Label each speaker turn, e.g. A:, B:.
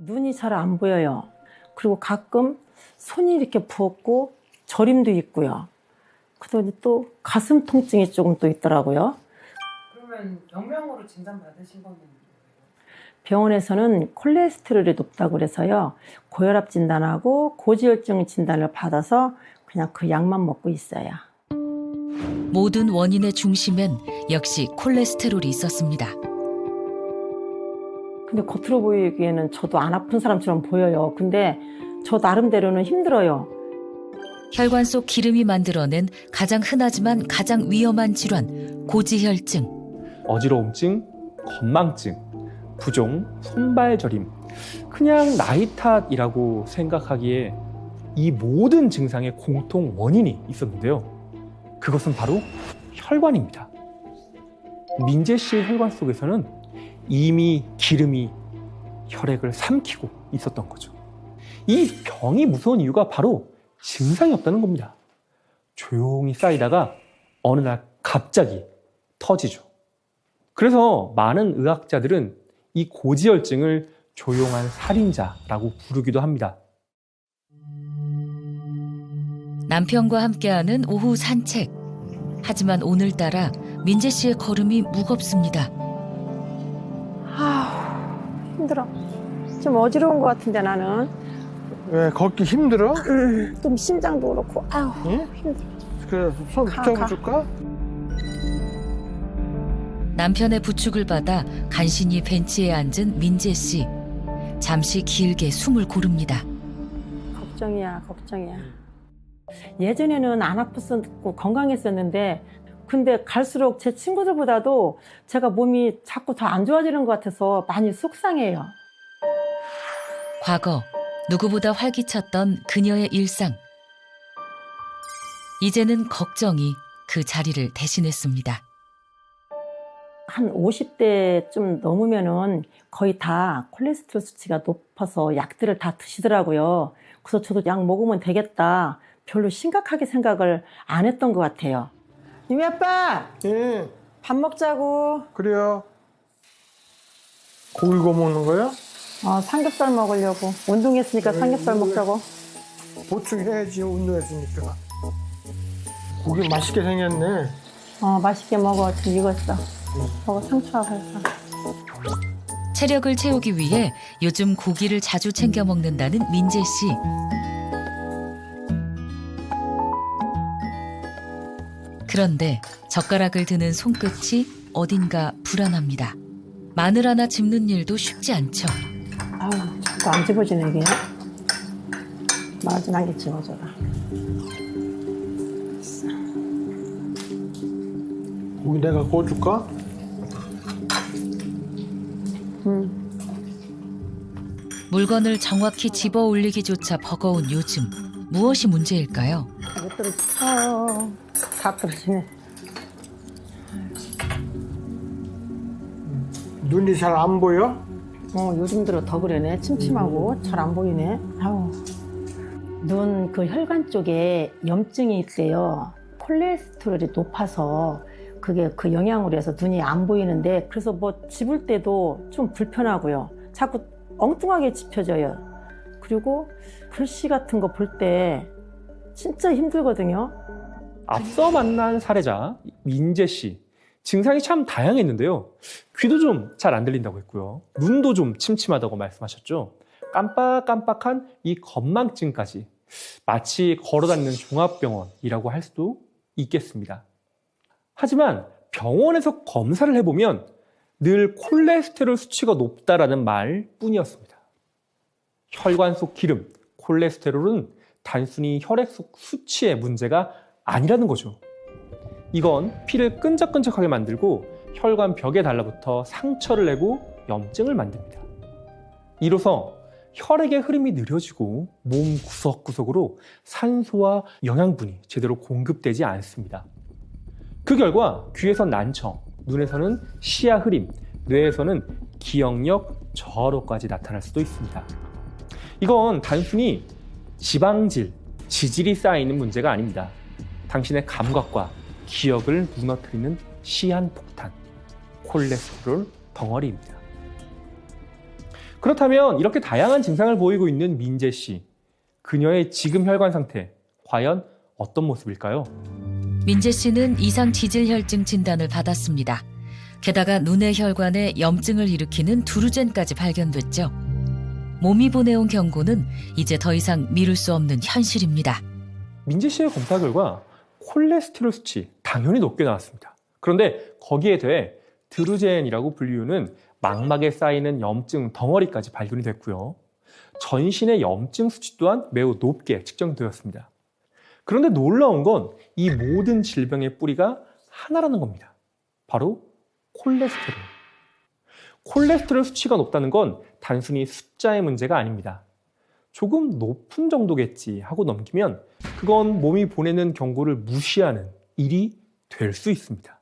A: 눈이 잘 안 보여요. 그리고 가끔 손이 이렇게 부었고 저림도 있고요. 그러더니 또 가슴 통증이 조금 또 있더라고요.
B: 그러면 병명으로 진단받으신 거는 뭐예요?
A: 병원에서는 콜레스테롤이 높다고 그래서요. 고혈압 진단하고 고지혈증 진단을 받아서 그냥 그 약만 먹고 있어요.
C: 모든 원인의 중심엔 역시 콜레스테롤이 있었습니다.
A: 근데 겉으로 보이기에는 저도 안 아픈 사람처럼 보여요. 근데 저 나름대로는 힘들어요.
C: 혈관 속 기름이 만들어낸 가장 흔하지만 가장 위험한 질환, 고지혈증.
D: 어지러움증, 건망증, 부종, 손발 저림, 그냥 나이 탓이라고 생각하기에 이 모든 증상의 공통 원인이 있었는데요. 그것은 바로 혈관입니다. 민재 씨의 혈관 속에서는 이미 기름이 혈액을 삼키고 있었던 거죠. 이 병이 무서운 이유가 바로 증상이 없다는 겁니다. 조용히 쌓이다가 어느 날 갑자기 터지죠. 그래서 많은 의학자들은 이 고지혈증을 조용한 살인자라고 부르기도 합니다.
C: 남편과 함께하는 오후 산책. 하지만 오늘따라 민재 씨의 걸음이 무겁습니다.
A: 힘들어. 좀 어지러운 것 같은데 나는.
E: 왜 걷기 힘들어?
A: 좀 심장도 그렇고. 아우
E: 응?
A: 힘들어.
E: 그래 손
A: 가.
E: 붙잡아줄까?
C: 남편의 부축을 받아 간신히 벤치에 앉은 민재 씨. 잠시 길게 숨을 고릅니다.
A: 걱정이야. 예전에는 안 아팠었고 건강했었는데 근데 갈수록 제 친구들보다도 제가 몸이 자꾸 더 안 좋아지는 것 같아서 많이 속상해요.
C: 과거 누구보다 활기찼던 그녀의 일상. 이제는 걱정이 그 자리를 대신했습니다.
A: 한 50대 좀 넘으면은 거의 다 콜레스테롤 수치가 높아서 약들을 다 드시더라고요. 그래서 저도 약 먹으면 되겠다. 별로 심각하게 생각을 안 했던 것 같아요. 유미 아빠,
E: 예,
A: 밥 먹자고.
E: 그래요. 고기 구워 먹는 거야?
A: 삼겹살 먹으려고. 운동했으니까 삼겹살 먹자고.
E: 보충해야지 운동했으니까. 고기 맛있게 생겼네.
A: 맛있게 먹어. 지금 익었어. 먹어, 상추하고 해서.
C: 체력을 채우기 위해 요즘 고기를 자주 챙겨 먹는다는 민재 씨. 그런데 젓가락을 드는 손끝이 어딘가 불안합니다. 마늘 하나 집는 일도 쉽지 않죠.
A: 아우, 자꾸 안 집어지네, 이게. 마지막에 집어줘라.
E: 고기 내가 구워줄까?
C: 물건을 정확히 집어 올리기조차 버거운 요즘. 무엇이 문제일까요?
A: 못 떨어져. 다 떨어지네.
E: 눈이 잘 안 보여?
A: 요즘 들어 더 그러네. 침침하고 잘 안 보이네. 아우. 눈 그 혈관 쪽에 염증이 있대요. 콜레스테롤이 높아서 그게 그 영향으로 해서 눈이 안 보이는데 그래서 뭐 집을 때도 좀 불편하고요. 자꾸 엉뚱하게 집혀져요. 그리고 글씨 같은 거 볼 때 진짜 힘들거든요.
D: 앞서 만난 사례자 민재 씨, 증상이 참 다양했는데요. 귀도 좀 잘 안 들린다고 했고요. 눈도 좀 침침하다고 말씀하셨죠. 깜빡깜빡한 이 건망증까지 마치 걸어다니는 종합병원이라고 할 수도 있겠습니다. 하지만 병원에서 검사를 해보면 늘 콜레스테롤 수치가 높다라는 말뿐이었습니다. 혈관 속 기름, 콜레스테롤은 단순히 혈액 속 수치의 문제가 아니라는 거죠. 이건 피를 끈적끈적하게 만들고 혈관 벽에 달라붙어 상처를 내고 염증을 만듭니다. 이로써 혈액의 흐름이 느려지고 몸 구석구석으로 산소와 영양분이 제대로 공급되지 않습니다. 그 결과 귀에선 난청, 눈에서는 시야 흐림, 뇌에서는 기억력 저하로까지 나타날 수도 있습니다. 이건 단순히 지방질, 지질이 쌓이는 문제가 아닙니다. 당신의 감각과 기억을 무너뜨리는 시한폭탄, 콜레스테롤 덩어리입니다. 그렇다면 이렇게 다양한 증상을 보이고 있는 민재 씨, 그녀의 지금 혈관 상태 과연 어떤 모습일까요?
C: 민재 씨는 이상 지질혈증 진단을 받았습니다. 게다가 눈의 혈관에 염증을 일으키는 두루젠까지 발견됐죠. 몸이 보내온 경고는 이제 더 이상 미룰 수 없는 현실입니다.
D: 민재 씨의 검사 결과 콜레스테롤 수치 당연히 높게 나왔습니다. 그런데 거기에 더해 드루젠이라고 불리우는 망막에 쌓이는 염증 덩어리까지 발견이 됐고요. 전신의 염증 수치 또한 매우 높게 측정되었습니다. 그런데 놀라운 건 이 모든 질병의 뿌리가 하나라는 겁니다. 바로 콜레스테롤. 콜레스테롤 수치가 높다는 건 단순히 숫자의 문제가 아닙니다. 조금 높은 정도겠지 하고 넘기면 그건 몸이 보내는 경고를 무시하는 일이 될 수 있습니다.